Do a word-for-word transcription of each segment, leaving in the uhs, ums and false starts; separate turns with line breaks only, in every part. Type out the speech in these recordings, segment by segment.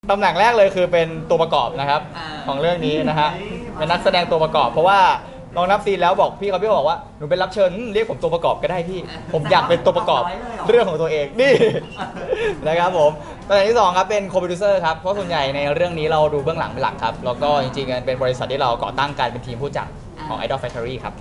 ตำแหน่งแรกเลยคือเป็นตัวประกอบนะครับของเรื่องนี้นะฮะเป็นนักแสดงตัวประกอบเพราะว่าลองนับซีนแล้วบอกพี่เขาพี่บอกว่าหนูเป็นรับเชิญเรียกผมตัวประกอบก็ได้พี่ผมอยากเป็นตัวประกอบเรื่องของตัวเองนี่ นะครับผมตำแหน่งที่สองครับเป็นโคโปรดิวเซอร์ครับเพราะส่วนใหญ่ในเรื่องนี้เราดูเบื้องหลังเป็นหลักครับแล้วก็จริงๆเป็นบริษัทที่เราก่อตั้งกันเป็นทีมผู้จัดของ Idol Factory ครับ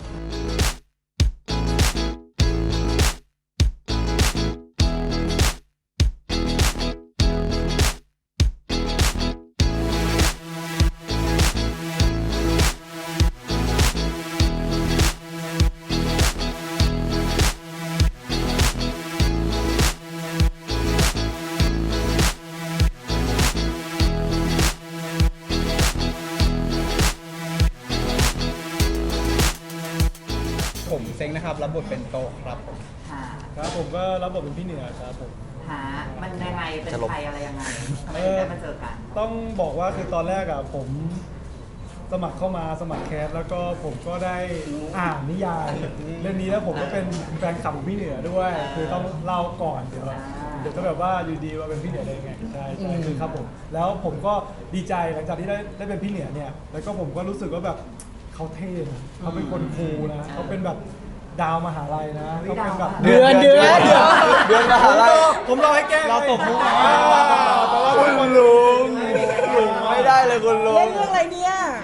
ผมเซ็งนะครับรับบทเป็นโตครับผม
ค่ะ
ครับผมก็รับบทเป็นพี่เหนือครับผม
หามันยังไงเป็นใครอะไรยังไงทำไมถึงได้มาเจอกัน
ต้องบอกว่าคือตอนแรกอ่ะผมสมัครเข้ามาสมัครแคสแล้วก็ผมก็ได้อ่านนิยายเรื่องนี้แล้วผมก็เป็นแฟนคลับของพี่เหนือด้วย คือต้องเล่าก่อนเดี๋ยวเดี๋ยวจะแบบว่าอยู่ดีว่าเป็นพี่เหนือได้ยังไงใช่ใช่คือครับผมแล้วผมก็ดีใจหลังจากที่ได้ได้เป็นพี่เหนือเนี่ยแล้วก็ผมก็รู้สึกว่าแบบเขาเท่นะเขาเป็นคนคูลนะเขาเป็นแบบดาวมหาลัยนะเขาเป็นแบบ
เดือนเดือนเดือนเดือนมหาลัย
ผมรอให้แกเราตบมุกแต่ว่าคุณลุ
ลุงลุงไม่ได้เลยคุณลุ
เล่
ง
นเรื่องอะไรเนี่ย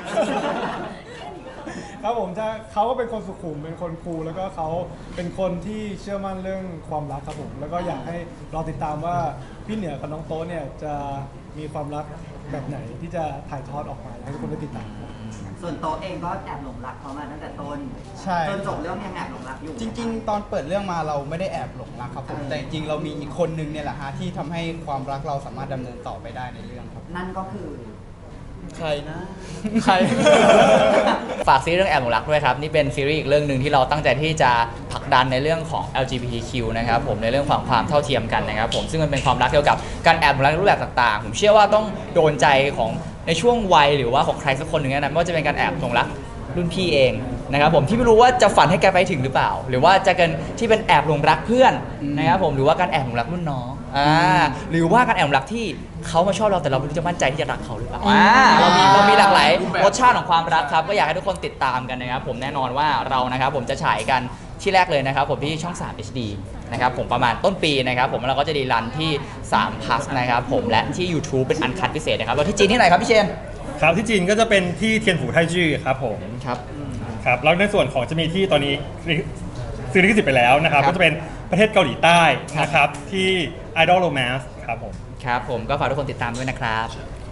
ครับผมจะเขาก็เป็นคนสุขุมเป็นคนคูลแล้วก็เขาเป็นคนที่เชื่อมั่นเรื่องความรักครับผมแล้วก็อยากให้รอติดตามว่าพี่เหนือกับน้องโต๊ะเนี่ยจะมีความรักแบบไหนที่จะถ่ายทอดออกมาให้ทุกคนได้ติดตามครับ
ส่วนโต๊ะเองก็แอบหลงรักเขามาตั้งแต่ต้น
ใช่
จนจบเรื่องยังแอบหลงรักอยู่
จริง ๆ ตอนเปิดเรื่องมาเราไม่ได้แอบหลงรักครับผมแต่จริงๆเรามีอีกคนนึงเนี่ยแหละฮะที่ทำให้ความรักเราสามารถดำเนินต่อไปได้ในเรื่องครับ
นั่นก็คือ
ใครนะใคร ฝากซีรีส์เรื่องแอบหลงรักด้วยครับนี่เป็นซีรีส์อีกเรื่องหนึ่งที่เราตั้งใจที่จะผลักดันในเรื่องของ แอล จี บี ที คิว นะครับผมในเรื่องของความเท่าเทียมกันนะครับผมซึ่งมันเป็นความรักเกี่ยวกับการแอบหลงรักในรูปแบบต่างๆผมเชื่อว่าต้องโดนใจของในช่วงวัยหรือว่าของใครสักคนหนึ่งนะไม่ว่าจะเป็นการแอบหลงรักรุ่นพี่เองนะครับผมที่ไม่รู้ว่าจะฝันให้แกไปถึงหรือเปล่า หรือว่าจะกันที่เป็นแอบหลงรักเพื่อนนะครับผมหรือว่าการแอบหลงรักรุ่นน้องอ่าหรือว่าการแอบหลงรักที่เขามาชอบเราแต่เราไม่รู้จะมั่นใจที่จะรักเขาหรือเปล่าอ่าเรามีเรามีหลากหลายรสชาติของความรักครับก็อยากให้ทุกคนติดตามกันนะครับผมแน่นอนว่าเรานะครับผมจะฉายกันที่แรกเลยนะครับผมที่ช่อง สาม เอช ดี นะครับผมประมาณต้นปีนะครับผมเราก็จะดีรันที่สาม plus นะครับผมและที่ YouTube เป็นอันคัทพิเศษนะครับแล้วที่จีนที่ไหนครับพี่เชน
ครับที่จีนก็จะเป็นที่เทียนฝูไทจื้อครับผม
ครับ
ครับแล้วในส่วนของจะมีที่ตอนนี้ซื้อลิขสิทธิ์ไปแล้วนะครับ
ครับ
ก็จะเป็นประเทศเกาหลีใต้นะครับที่ Idol Romance ครับผม
ครับผมก็ฝากทุกคนติดตามด้วยนะครับ